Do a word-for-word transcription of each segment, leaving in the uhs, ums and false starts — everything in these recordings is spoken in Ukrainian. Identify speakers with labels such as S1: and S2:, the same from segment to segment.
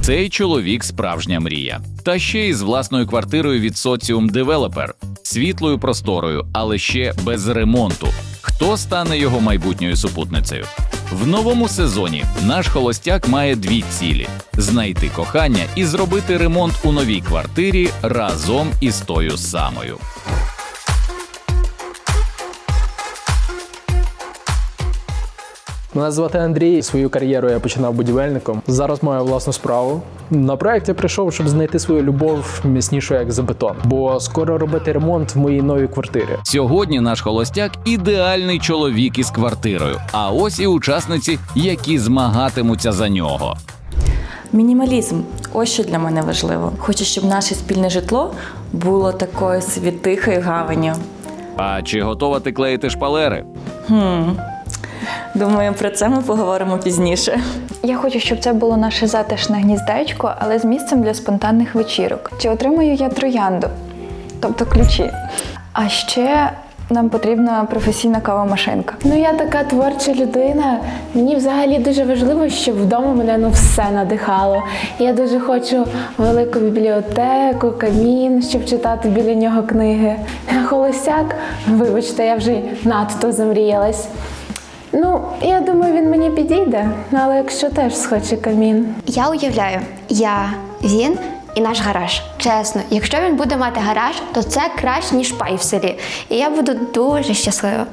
S1: Цей чоловік – справжня мрія. Та ще й з власною квартирою від Соціум Девелопер, світлою просторою, але ще без ремонту. Хто стане його майбутньою супутницею? В новому сезоні наш холостяк має дві цілі – знайти кохання і зробити ремонт у новій квартирі разом із тою самою.
S2: Мене звати Андрій. Свою кар'єру я починав будівельником. Зараз маю власну справу. На проєкт я прийшов, щоб знайти свою любов міцнішу, як за бетон. Бо скоро робити ремонт в моїй новій квартирі.
S1: Сьогодні наш холостяк – ідеальний чоловік із квартирою. А ось і учасниці, які змагатимуться за нього.
S3: Мінімалізм – ось що для мене важливо. Хочу, щоб наше спільне житло було такою собі тихою гаванню.
S1: А чи готова ти клеїти шпалери?
S3: Хм. Думаю, про це ми поговоримо пізніше.
S4: Я хочу, щоб це було наше затишне гніздечко, але з місцем для спонтанних вечірок. Чи отримаю я троянду? Тобто ключі. А ще нам потрібна професійна кавомашинка.
S5: Ну, я така творча людина. Мені взагалі дуже важливо, щоб вдома мене ну, все надихало. Я дуже хочу велику бібліотеку, камін, щоб читати біля нього книги. А холостяк, вибачте, я вже надто замріялась. Ну, я думаю, він мені підійде, але якщо теж схоче камін.
S6: Я уявляю, я, він і наш гараж. Чесно, якщо він буде мати гараж, то це краще, ніж пай в селі. І я буду дуже щаслива.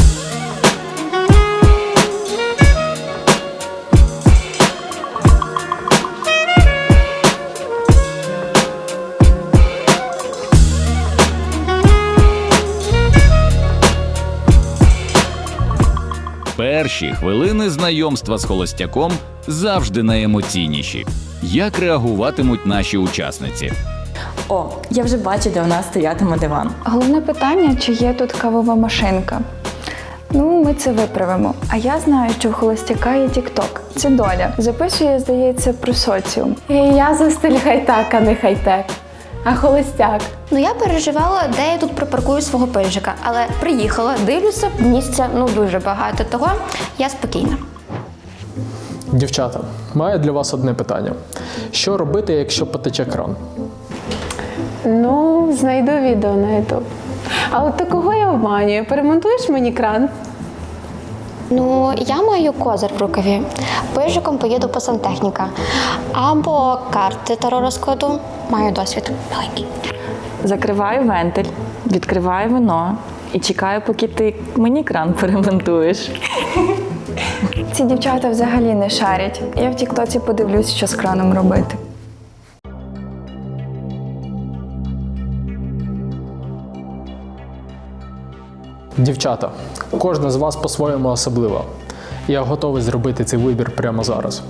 S1: Перші хвилини знайомства з холостяком завжди найемоційніші. Як реагуватимуть наші учасниці?
S3: О, я вже бачу, де у нас стоятиме диван.
S4: Головне питання, чи є тут кавова машинка. Ну, ми це виправимо. А я знаю, що в холостяка є тік-ток. Це доля. Записує, здається, про соціум.
S5: І я за стиль хай-так, а не хай-тек. А холостяк?
S6: Ну, я переживала, де я тут припаркую свого пижика, але приїхала, дивлюся, місця ну дуже багато, того я спокійна.
S2: Дівчата, маю для вас одне питання. Що робити, якщо потече кран?
S5: Ну, знайду відео на ютуб. А от ти кого я обманюю? Перемонтуєш мені кран?
S6: Ну, я маю козир в рукаві. Пижиком поїду по сантехніка. Або карти таро розкладу. Маю досвід маленький.
S3: Закриваю вентиль, відкриваю вино і чекаю, поки ти мені кран перемонтуєш.
S4: Ці дівчата взагалі не шарять. Я в тік-тоці подивлюсь, що з краном робити.
S2: Дівчата, кожна з вас по-своєму особлива. Я готовий зробити цей вибір прямо зараз.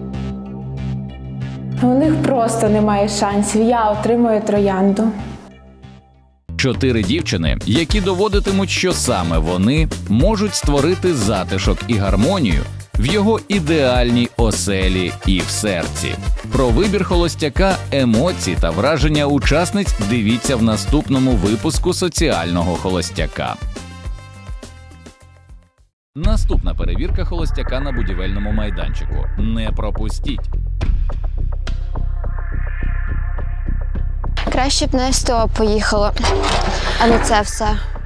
S5: У них просто немає шансів. Я отримую троянду.
S1: Чотири дівчини, які доводитимуть, що саме вони можуть створити затишок і гармонію в його ідеальній оселі і в серці. Про вибір холостяка, емоції та враження учасниць дивіться в наступному випуску «Соціального холостяка». Наступна перевірка холостяка на будівельному майданчику. Не пропустіть!
S6: Краще б на ес те о поїхала, а не це все.